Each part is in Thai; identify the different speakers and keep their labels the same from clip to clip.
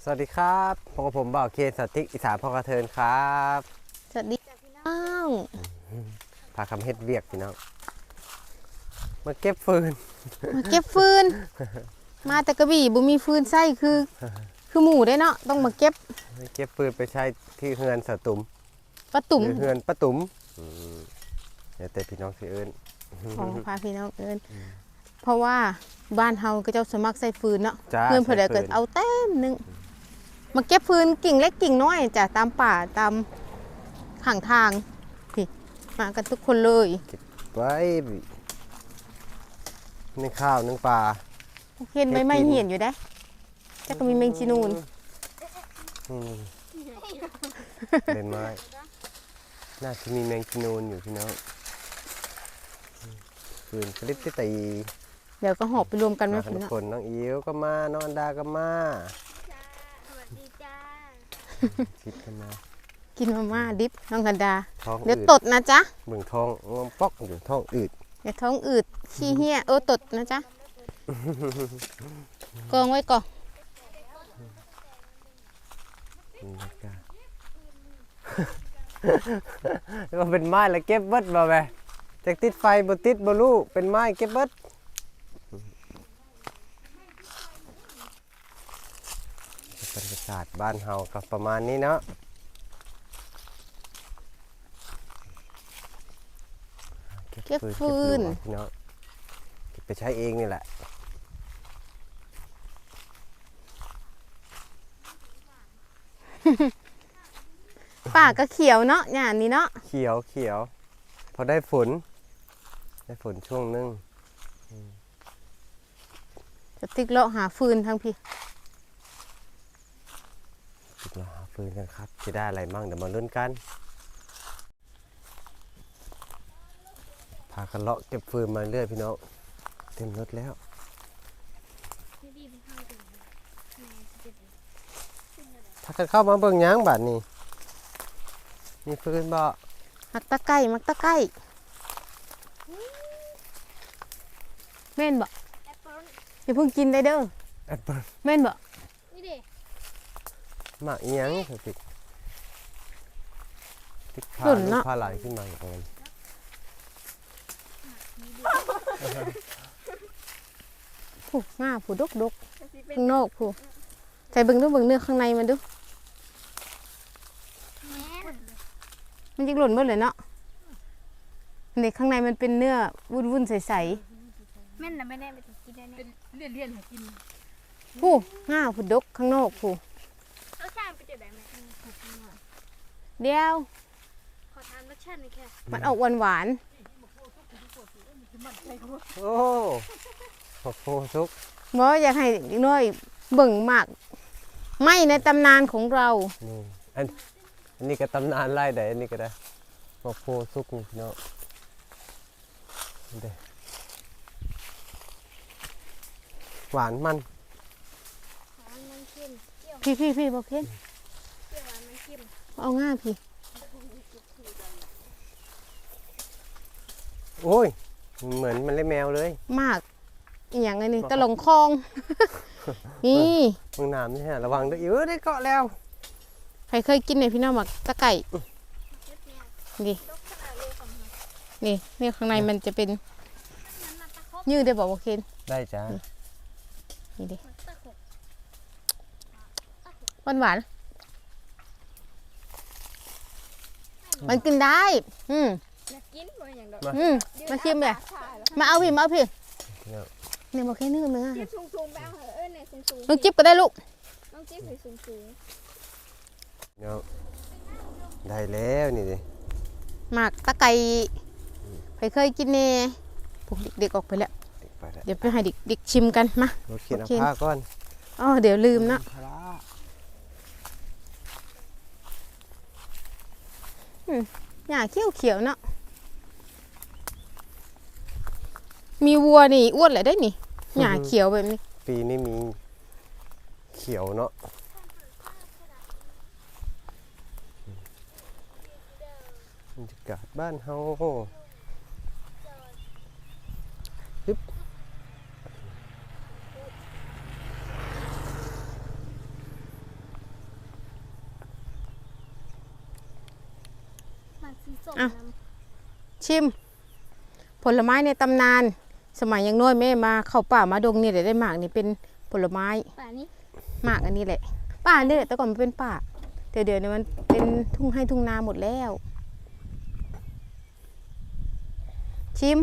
Speaker 1: สวัสดีครับพบกับผมบ่าวเคนสติ๊กอีสานพ่อกระเทินครับ
Speaker 2: สวัสดีจ้ะพี่น้อง
Speaker 1: พาคำเฮ็ดเวียกพี่น้องมาเก็บฟืน
Speaker 2: มาเก็บฟืน มาแต่กระบี่บ่มีฟืนใส่คือหมูได้เนาะต้องมาเก็บ
Speaker 1: มาเก็บฟืนไปใช้ที่เฮือนสะตุ่ม
Speaker 2: ปลาตุ่ม
Speaker 1: หรือเฮือนป้าตุ่มเดี๋ยวแต่พี่น้องสิเอิ้น
Speaker 2: ของพาพี่น้องเอิ้นเพราะว่าบ้านเฮาก็เจ้าสมัครใส่ฟืนเนาะ
Speaker 1: จ้า
Speaker 2: เพื่อนเพิ่นได้เกิดเอาเต็มหนึงมาเก็บฟืนกิ่งเล็กกิ่งน้อยจ้ะตามป่าตามข้างทางพี่มากันทุกคนเลย
Speaker 1: ไว้นึ่งข้าวนึ่งปลา
Speaker 2: เห็นใบไม้เหียนอยู่ได้จักก็มีแมงจีนูน
Speaker 1: อืมเป็นไม้น่าจะมีแมงกินูนอยู่พี่น้องฟืนคลิปที่ตี
Speaker 2: เดี๋ยวก็หอบไปรวมกันไว้
Speaker 1: มา
Speaker 2: พี่
Speaker 1: ทุก
Speaker 2: เนาะ
Speaker 1: คนน้องอิ๋วก็มาน้องอันดาก็มา
Speaker 3: สวัสดีจ้า
Speaker 1: คิดกันมา
Speaker 2: กินมาม่าดิบน้องกันดา
Speaker 1: ท้อง
Speaker 2: เดี๋ยว
Speaker 1: อืด
Speaker 2: ตดนะจ๊ะ
Speaker 1: เบิ่งท้องงอมปอกอยู่ท้องอืด
Speaker 2: เดี๋ยวท้องอืดขี้เหี้ยตดนะจ๊ะ กองไว้ก่อน
Speaker 1: นี่นะจ๊ะ ก็เป็นไม้แล้วเก็บเบิดบ่แม่จากติดไฟบ่ติดบ่รู้เป็นไม้เก็บเบิดบรรยากาศบ้านเฮาก็ประมาณนี้เนาะเก็บฟืนพี่น้องเก็บไปใช้เองนี่แหละ
Speaker 2: ป่าก็เขียวเนาะอย่างนี้เนาะ
Speaker 1: เขียวเขียวพอได้ฝนช่วงนึง
Speaker 2: จะติ๊กเลาะหาฟืนทั้งพี่
Speaker 1: ติดมาหาฟืนกันครับจะได้อะไรมั่งเดี๋ยวมาลุ้นกันพากันเลาะเก็บฟืนมาเรื่อยพี่น้องเต็มรถแล้ว
Speaker 3: พี่ดีไปเข้าถึงแม่จะเจ็บ
Speaker 1: พากันเข้ามาเบิ่งหยังบัดนี้มีฟืนบ่
Speaker 2: มักตะไก่มักตะไก่แม่นบ่
Speaker 3: แอปเปิ้ล
Speaker 2: อย่าเพิ่งกินได้เด้อ
Speaker 1: แอปเปิ้ล
Speaker 2: แม่นบ่
Speaker 3: นี่ดิ
Speaker 1: หมากอีหยังสติกติดพาลูกพาหลานขึ้นมาอย่างนั้น
Speaker 2: ผู้ง่าผู้ดกข้างนอกผู้ใส่เบิ่งดูเบิ่งเนื้อข้างในมันดู
Speaker 3: แม่
Speaker 2: มันจิกหล่นเบิดเลยเนาะในข้างในมันเป็นเนื้อวุ้นๆใส
Speaker 3: แม่นนะไม่แน่ไปถึงกินได้เนี่ย
Speaker 4: เลี่ยนหากิน
Speaker 2: ๆผู้ง่าผู้ดกข้างนอกผู้
Speaker 3: รสชาติเป็นจะแบบไหน
Speaker 2: เดียว
Speaker 3: ขอทานรสชาติหน่อยแค่
Speaker 2: มันออกหวาน
Speaker 1: โอ้โหทุก
Speaker 2: ๆบ่อยากให้เด็กน้อยเบิ่งมากไม่ในตำนานของเรา
Speaker 1: นี่อันนี้ก็ตำนานไล่ได้อันนี้ก็ได้หมกโพสุกนี่พี่น้องนี่เด้อหวานมัน
Speaker 3: หวานมันเค็มเปรี้ยว
Speaker 2: พี่บอกเพ่น
Speaker 3: เปรี้ยวหวานมันเค็ม
Speaker 2: เอาง่าพี่
Speaker 1: โอ้ยเหมือนมันเล่แมวเลย
Speaker 2: มากอหย่างไงนี่ตะหลงคลอง นี่
Speaker 1: มึงน้ำนี่ฮะระวังด้วยอิ๋วได้เกาะแล้ว
Speaker 2: ใครเคยกินเนี่ยพี่น้องหมักตะไก่
Speaker 3: เล็บเนี่ย
Speaker 2: นี่
Speaker 3: ลกขนาดเลยของมัน
Speaker 2: นี่เนี่ยข้างในมันจะเป็น
Speaker 3: มันมาตะคบ
Speaker 2: ยืดได้บอกว่าเคน
Speaker 1: ได้จ้า
Speaker 2: นี่ดิ
Speaker 3: มันตะคบ
Speaker 2: หวานมันกินได้
Speaker 3: อยากกินมันอย่างดอก
Speaker 2: มาชิมเลย
Speaker 3: ถ่ายแล้ว
Speaker 2: มาเอาพี่
Speaker 1: เนี่ย
Speaker 2: เนี่ยบอกแค่เนื้อ
Speaker 3: จิ๊บสูงๆไปเอาเหอะเนี่ยสูงๆ
Speaker 2: น้องจิ๊บก็ได้ลูก
Speaker 3: น้องจิ๊บสูง
Speaker 1: เนี่ยได้แล้วนี่ดิ
Speaker 2: หมักตะไก่ใครเคยกินเนี่ยพวกเด็กๆออกไปแล้ว
Speaker 1: ไปแล้ว
Speaker 2: เดี๋ยวไปให้เด็กชิมกันมา
Speaker 1: เราเขียน
Speaker 2: โอ
Speaker 1: เอา
Speaker 2: เค
Speaker 1: ผ้าก่อน
Speaker 2: อ๋อเดี๋ยวลืมนะ
Speaker 1: พระ
Speaker 2: หญ้าเขียวๆเนาะมีวัวนี่อ้วนเลยได้นี่หญ้าเขียวแบบนี้
Speaker 1: ปีนี้มีเขียวเนาะบรรยากาศบ้านเฮาปึ๊บ
Speaker 3: ส้ม
Speaker 2: อ่ะ
Speaker 3: น้
Speaker 2: ชิม ผลไม้ในตำนาน สมัยยังน้อยแม่มาเข้าป่ามาดงนี่ได้หมากนี่เป็นผลไม้
Speaker 3: ำป่านี้
Speaker 2: หมากอันนี้แหละ ป่าเนี่ยแต่ก่อนมันเป็นป่าเดี๋ยวนี้มันเป็นทุ่งให้ทุ่งนาหมดแล้ว ชิม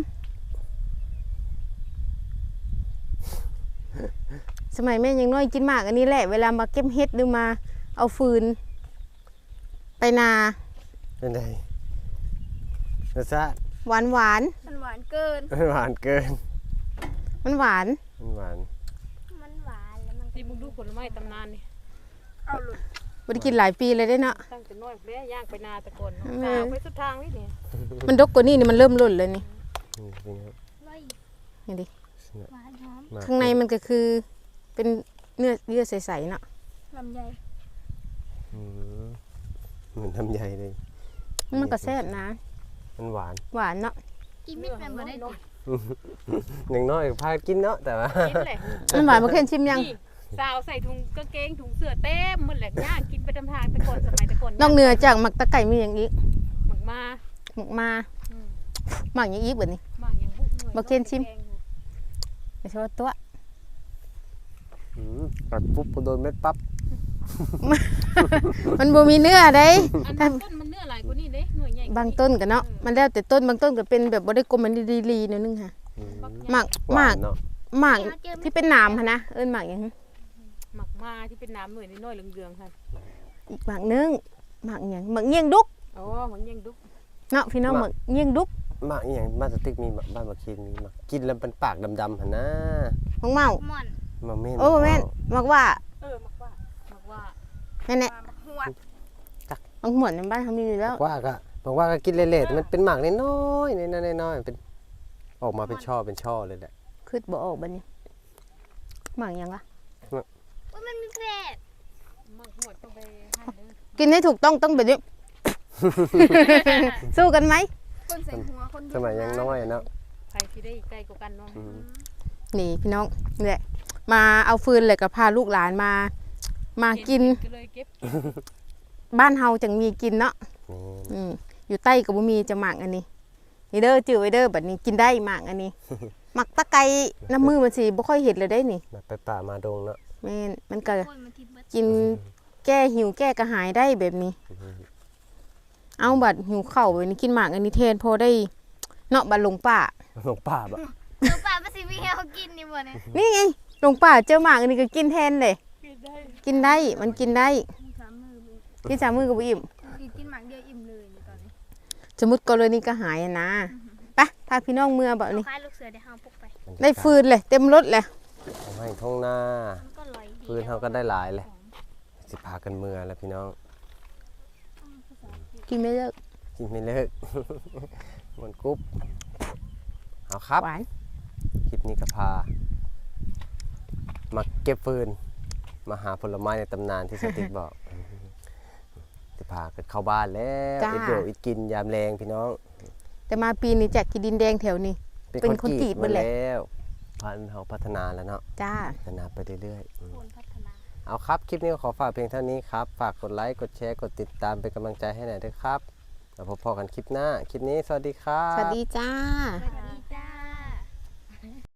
Speaker 2: สมัยแม่ยังน้อยกินหมากอันนี้แหละ เวลามาเก็บเห็ดหรือมาเอาฟืน ไปนา
Speaker 1: เป็นไงรสชาติ
Speaker 2: หวานหวาน
Speaker 3: มันหวานเกิน
Speaker 1: หวานเกิน
Speaker 2: มันหวาน
Speaker 1: มันหวาน
Speaker 3: มันหวานแล้วมัน
Speaker 4: ที่มึงดูผลไม้ตำนานนี่
Speaker 3: เอาหลุด
Speaker 2: บ่ได้กินหลายปีเลยได้เนาะ
Speaker 4: ตั้งแต่น้อยแม่ย่างไปนาแตะกอนเนาะ
Speaker 2: แม่
Speaker 4: กาวไปสุดทางนี่นี่
Speaker 2: มันดกกว่านี้นี่มันเริ่มหล่นเลยนี่
Speaker 1: นี่เป็นไง
Speaker 3: ร่อย
Speaker 2: นี่ดิ
Speaker 3: หวานหอม
Speaker 1: มาก
Speaker 2: ข้างในมันก็คือเป็นเนื้อเยื่อใสๆเนาะ
Speaker 3: ลำไย
Speaker 1: อืมเหมือนทำใหญ่เลย
Speaker 2: มันก็แซ่บนะ
Speaker 1: มันหวาน
Speaker 2: หวานเนาะ
Speaker 3: กินไม่เป็นบ่ได้ดิ
Speaker 1: อย่างน้อยพากินเนาะแต่ว่า
Speaker 4: กินแหละ
Speaker 2: มันหวานมาเคนชิมยัง
Speaker 4: นี่สาวใส่ถุงกางเกงถุงเสื้อเต็มหมดแหละย่างกินไปตำทางแตะกอนสมัยแตะกอน
Speaker 2: นอกเหนือจากหมักตะไก่มีอย่างอีก
Speaker 4: หมักมา
Speaker 2: หมักมา
Speaker 4: อืม
Speaker 2: หมักอย่างอีกแบบนี้
Speaker 4: หมักอย่างบุกหน่วย
Speaker 2: บ่เคนชิม ไม่ใช่ว่าตัว
Speaker 1: กัดปุ๊บโดนเม็ดปั๊บ
Speaker 2: มันบ่มีเนื้อได้
Speaker 4: อันนั้นต้นมันเนื้อหลายกว่านี้เด้หน่วยใหญ่กว่า
Speaker 2: บางต้นกันเนาะมันแล้วแต่ต้นบางต้นก็เป็นแบบบ่ได้กลมมันดีๆหนิดนึงค่ะ
Speaker 1: อืม
Speaker 2: หมัก
Speaker 1: ห
Speaker 2: ห
Speaker 1: วา
Speaker 2: มั
Speaker 1: น
Speaker 2: ก
Speaker 1: เนาะ
Speaker 2: หมักที่เป็นหนามค่ะนะเอิ้นหมักอย่าง
Speaker 4: หมักมาที่เป็นน้ำหน่วยน้อยๆเหลืองๆค่ะ
Speaker 2: อีกหมักนึงหมักอย่างหมักเงี้ยงดุก
Speaker 4: อ๋อหมักยังดุก
Speaker 2: เนาะพี่น้องหมักเงี้ยงดุก
Speaker 1: หมากอหย่างบ้านสติ๊กมีบ้านมาคินมีหมากกินแล้วเป็นปากดำๆหันนะ
Speaker 2: ของเมา
Speaker 3: หม่อน
Speaker 1: มาเม่น
Speaker 2: โอ้แม่นหมักว่า
Speaker 4: หมักว่า
Speaker 2: แม่นแหละ
Speaker 3: หัว
Speaker 2: บางหมวนในบ้านเขามีอยู่แล้ว
Speaker 1: บอกว่าก็กินเละๆแต่มันเป็นหมากน้อยๆน้อยๆเป็นออกมาเป็นช่อเลยแหละ
Speaker 2: คือบ่ออกบัดนี้หมักหยังวะ
Speaker 3: ว่ามันมีแผล
Speaker 4: หมักหมดต้องไปหั่นเด้อ
Speaker 2: กินให้ถูกต้องแบบนี้ สู้กันไหม
Speaker 3: คนใส่หัวคน
Speaker 1: สมัยยังน้อยเนาะ
Speaker 4: ใครที่ได้ใกล้กว่ากันเนาะ
Speaker 1: อืม
Speaker 2: นี่พี่น้องนี่แหละมาเอาฟืนเลยกับพาลูกหลานมากิน
Speaker 4: ก็เลยเก็บ
Speaker 2: บ้านเฮาจังมีกินเนาะ
Speaker 1: นี่
Speaker 2: อยู่ใต้กับบ่มีจะหมักอันนี้นี่เด้อจื้อไว้เด้อบัดนี้กินได้หมักอันนี้ หมักตะไคร้น้ำมือมันสิบ่ค่อยเห็นเลยได้นี่
Speaker 1: มาไปป่ามาดงเนาะ
Speaker 2: แม่นมันก็
Speaker 3: โอ้ยมันทิพย์เบิด
Speaker 2: กินแก้หิวแก้กระหายได้แบบนี้ เอาบัดหิวข้าวแบบนี้กินหมากอันนี้แทนพอได้เนาะบัดหลงป่า
Speaker 1: หลงป่าแบบ
Speaker 3: เดี๋ยวป่ามันสิมีให้เขากินนี่บ่เนี่ย
Speaker 2: นี่ไงหลงป่าเจอหมากอันนี้ก็กินแทนเลย กินได้มันกินได้
Speaker 3: สามมือเลย
Speaker 2: กินสามมือก็บ่อิ่ม
Speaker 3: กินหมักเดียวอิ่มเลยในตอนนี้
Speaker 2: สมมุติกรณีก็หายอะนะไปพาพี่น้องเมื่อแบบนี้
Speaker 3: คล้ายลูกเสือได้ห้าพกไป
Speaker 2: ได้ฟืนเลยเต็มรถเลย
Speaker 1: ทำให้ท้องหน้า
Speaker 3: มันก็ลอยดี
Speaker 1: ฟืนเขาก็ได้หลายเลยสิพากันเมื่อแล้วพี่น้อง
Speaker 2: กินไม่เลิก
Speaker 1: กินไม่เลิก มันกรุ๊บเอาครับ
Speaker 2: หวาน
Speaker 1: คลิปนี้ก็พา มาเก็บฟืน มาหาผลไม้ในตำนานที่สติ๊กบอก จะพากันเข้าบ้านแล้วอิดโยอิดกินยามแรงพี่น้อง
Speaker 2: แต่มาปีนี้จากกินดินแดงแถวนี้ เป็นคนกรีด
Speaker 1: มา
Speaker 2: เบิดแหละ
Speaker 1: แล้วพันธุ์เขาพัฒนาแล้วเนาะ
Speaker 2: จ้า
Speaker 1: พัฒนาไปเรื่อยๆ
Speaker 3: โคนพัฒนา
Speaker 1: เอาครับ คลิปนี้ก็ขอฝากเพียงเท่านี้ครับ ฝากกดไลค์ กดแชร์ กดติดตามเป็นกำลังใจให้หน่อยด้วยครับแล้วพบกันคลิปหน้า คลิปนี้สวัสดีครับ
Speaker 2: สวัสดีจ้า
Speaker 3: สวัสดี